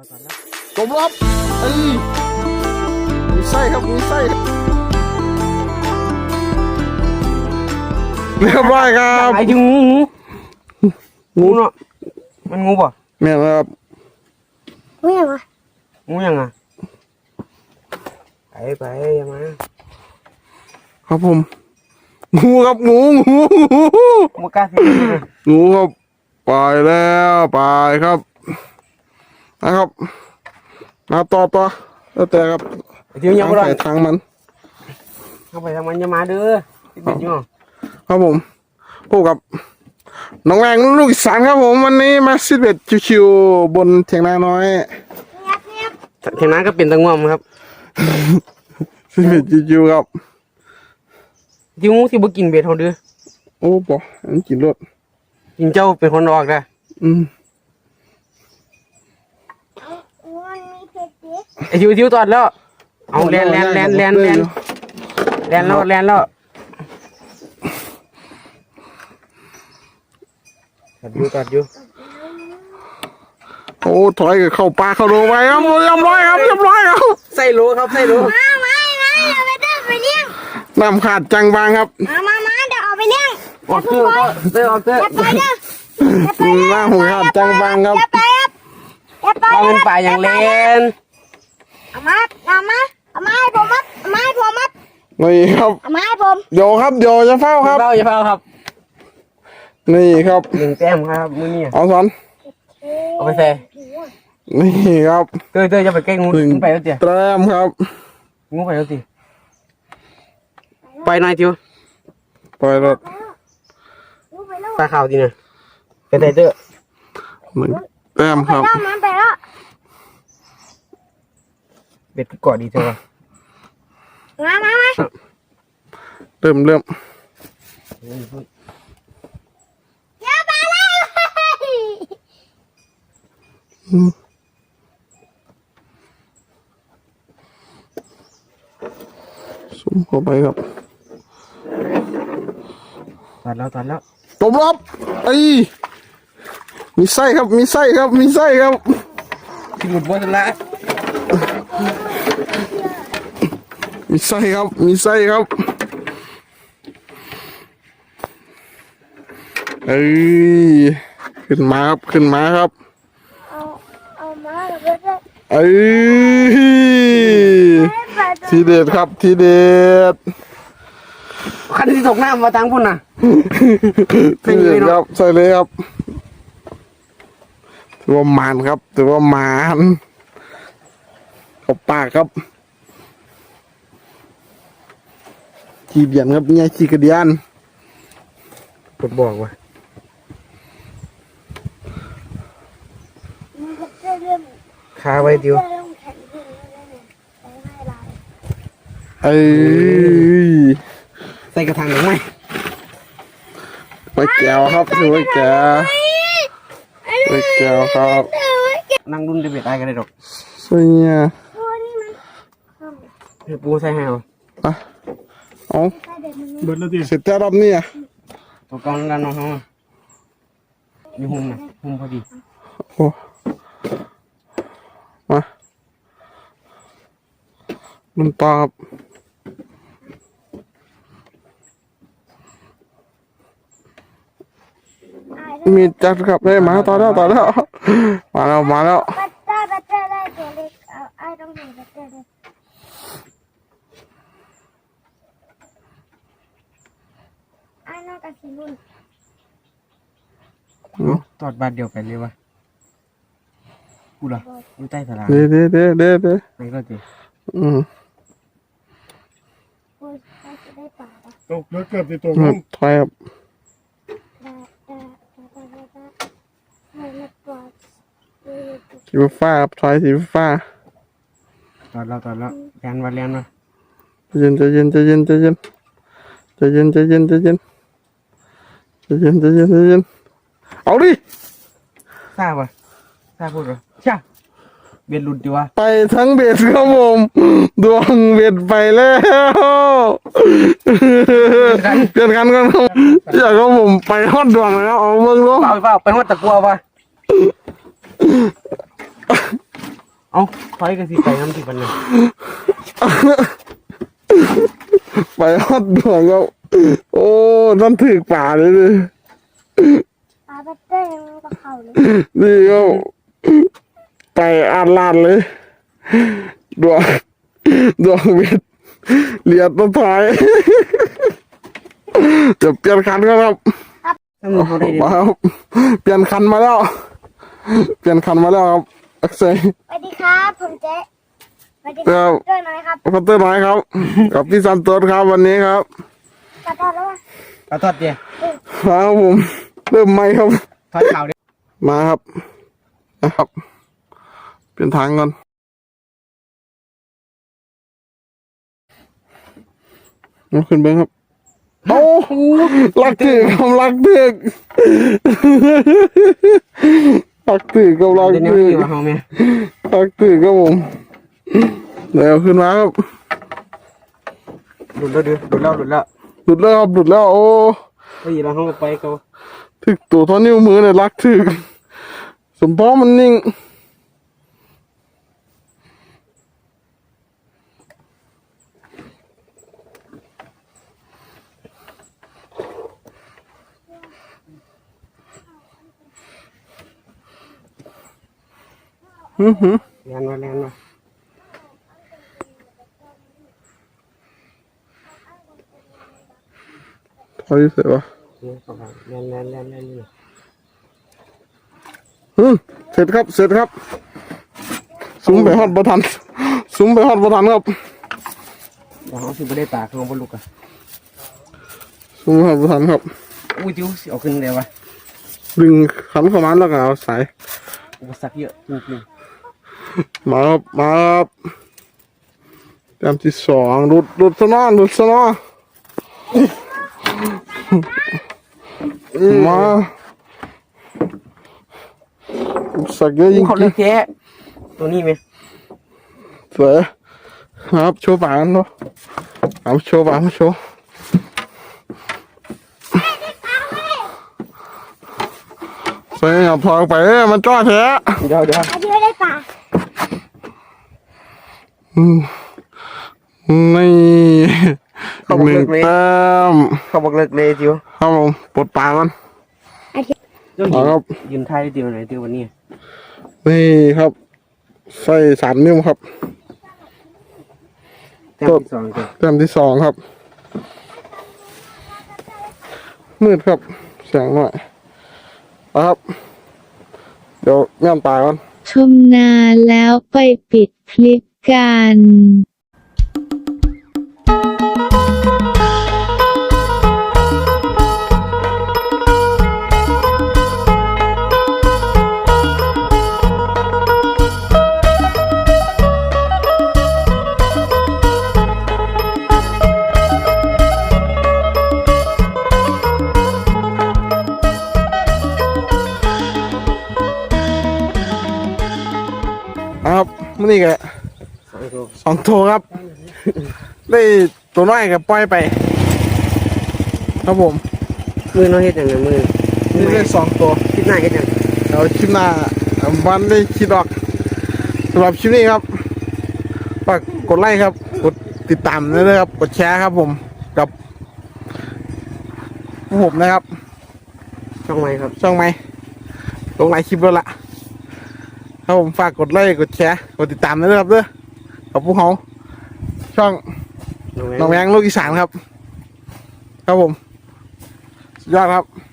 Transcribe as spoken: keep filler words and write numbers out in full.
จบรับเอ้ยมีไส้ครับมีไส้เรียบร้อยครับไอ้ที่งูงูเนาะมันงูป่ะแม่ครับงูยังไงงูยังไงไปไปยังไงครับผมงูครับงูงูงูงูกล้าสิงูครับไปแล้วไปครับนะครับมาต่อต่อแล้วแต่ครับเดี๋ยวยังไม่ได้ทางมันเข้าไปทางมันจะมาเด้อที่เป็นอยู่ครับผมพบกับน้องแรงลูกอีสานครับผมวันนี้มาซิดเบ็ดชิวๆบนเถียงนาน้อยเถียงนาก็เป็นตะง่วมครับซิดเบ็ดชิวๆครับที่งูที่บุกินเบ็ดเขาเด้อโอ้ปออันกินรสกินเจ้าเป็นคนออกได้อืมไอ้ทิวทิวตอดแล้วเอาแลนแลนแลนแลนแลนแลนแล้วแลนแล้วตอดอยู่ตอดอยู่โอ้ถอยเข้าปลาเข้าโลไปครับเรียบร้อยครับเรียบร้อยครับใส่โลครับใส่โลมามามาเดี๋ยวไปเดินไปเลี้ยงน้ำขาดจังบางครับมามามาเดี๋ยวเอาไปเลี้ยงออกเสื้อเสื้อออกเสื้ออย่าไปเด้อน้ำหูขาดจังบางครับอย่าไปครับอย่าไปเอาเป็นป่าอย่างเลนเอามาเอามาเอามาให้ผมมัดเอามาให้ผมมัดนี่ครับเอามาให้ผมโยครับโยจะเฝ้าครับเฝ้าอย่าเฝ้าครับนี่ครับหนึ่งแต้มครับมือนี่เอาสันเอาไปใส่นี่ครับเตยเตยจะไปแก้งูงูไปแล้วเตี๋ยแต้มครับงูไปแล้วติไปหน่อยทิวปล่อยรถตาขาวทีน่ะไปใส่เตยหนึ่งแต้มครับมันไปแล้วเบ็ดกอดดีเถอะมามามาเริ่มเริ่มอย่าไปเลยสุ่มเข้าไปครับตัดแล้วตัดแล้วจบรับไอ้มีไส้ครับมีไส้ครับมีไส้ครับที่หมุดบนละมีไส้ครับมีไส้ครับเอ้ยขึ้นมาครับขึ้นมาครับเอาเอามาแล้วก็ได้เอ้ยทีเด็ดครับทีเด็ดคันที่ตกน้ำมาทางพุ่นน่ะทีเด็ดครับใส่เลยครับถือว่ามันครับถือว่ามันขอบปากครับขี้เบียนครับเนี่ยขี้กระเดียนกดบอกว่าคาไว้ดิวเอ้ยใส่กระถางหรือไม่ไว้แก้วครับถือไว้แก้วไว้แก้วครับนั่งรุ่นจะเบียดได้กันได้ดอกสวยเนี่ยปูใส่ให้เอาอ่ะเอาเบิดแล้วดิเสร็จแล้วรอบนี้อ่ะตัวกองกันน้องเขามีหุ่มนะหุ่มพอดีโอ้มามันปลาครับมีจัดครับเลยมาต่อแล้วต่อแล้วมาแล้วมาแล้วตอดบาดเดียวไปเลยวะกูเหรออยู่ใต้สลาเด้เด้เด้เด้เด้ไหนก็เจอืมตกแล้วเกือบจะตกถอยครับสีฟ้าครับถอยสีฟ้าตอดแล้วตอดแล้วแลนวันแลนวะเย็นจะเย็นจะเย็นจะเย็นจะเย็นจะเย็นจะเย็นจะเย็นจะเย็นจะเย็นเอาดิทราบปะทราบพูดปะใช่เบียดหลุดดีวะไปทั้งเบ็ดครับผมดวงเบ็ดไปแล้วเปลี่ยนกันกันครับอยากให้ผมไปฮอดดวงแล้วเอาเมืองล้มเปล่าเปล่าไปฮอดตะกัวปะเอาคอยกันสิไปน้ำที่ปันเนี่ยไปฮอดดวงครับโอ้นั่นถึกป่าเลยดิปลาบัตเตอร์ยังกับเขาเลยนี่ก็ไปอ่านลานเลยดวงดวงเวทเลียดต้นท้ายจะเปลี่ยนคันก็ครับถ้ามึงเขาได้ดีมาครับเปลี่ยนคันมาแล้ว เปลี่ยนคันมาแล้วครับอักเซยสวัสดีครับผมเจ๊สวัสดีคครัรับบ ด้วยไหมครับพัตเตอร์น้อยครับ กับพี่ซันโตสครับวันนี้ครับกระทอดแล้ววะกระทอดเดียมาครับผมเริ่มไหมครับทอดเข่าเดียมาครับนะครับเปลี่ยนทางก่อนมาขึ้นเบิ้งครับโอ้ลักถึกครับลักถึกลักถึกกับลักเดี๋ยวนี้ถึกที่ว่าเขาเมียลักถึกครับผมเดี๋ยวขึ้นมาครับหลุดแล้วเดือหลุดแล้วหลุดแล้วหลุดแล้วครับหลุดแล้วโอ้ไอ้ยี่เราเขาไปเขาถึกตัวเท่านิ้วมือเนี่ยลักถึกสมพอมันนิ่งฮึฮึเรียนมาเรียนมาถอยเสร็จวะเรียนเข้าไปเรียนเรียนเรียนเรียนนี่ฮึเสร็จครับเสร็จครับซุ้มไปฮอดประทันซุ้มไปฮอดประทันครับเดี๋ยวเขาสิไม่ได้ตากเขาบนลูกอะซุ้มไปฮอดประทันครับอุ้ยจิ้วสิเอาขึ้นเลยวะดึงขันเข้ามาแล้วก็เอาสายอุปสรรคเยอะจริงมาครับมาครับแต้มที่สองหลุดหลุดซะเนอหลุดซะเนอมาสักเยอะๆจริงเขาเลือกแท้ตัวนี้ไหมๆสวยครับโชว์ปากกันเนาะเอาโชว์ปากมาโชว์ใส่หยับทองไปเอ้ยมันจ้อแท้เดี๋ยวเดี๋ยวไอ้ที่ไม่ได้ปลาอืมนี่อีกหนึ่งแต้มเขาบอกเลิกเลยจิ้วครับผมปลดปลากันเจ้าหเอาญิงครับยืนไทยเดียวไหนเดียววันนี้นี่ครับใส่สามนิ้วครับแต้มที่สองจ้ะแต้มที่สองครับ มืดครับเสียงหน่อยเอาครับ เดี๋ยวแม่มตายก่อนชมนานแล้วไปปิดคลิปกันเอาครับมื่อนี้แกสองตัวสองตัวครับ ได้ตัวน้อยกับปล่อยไป ครับผมมือน้อยเฮ็ดอย่างไรมือนี่ได้สองตัวคิดหน้าเฮ็ดอย่างเอาคลิปหน้าวันได้คิดออกสำหรับคลิปนี้ครับฝากกดไลค์ครับ กดติดตามด้วยนะครับ กดแชร์ครับผมกับพวกผมนะครับช่องไหมครับช่องไหมลงหลายคลิปแล้วล่ะครับผมฝากกดไลค์กดแชร์กดติดตามด้วยนะครับเด้อกับพวกเขาช่องน้องแมงลูกอีสานครับ ครับผมสุดยอดครับ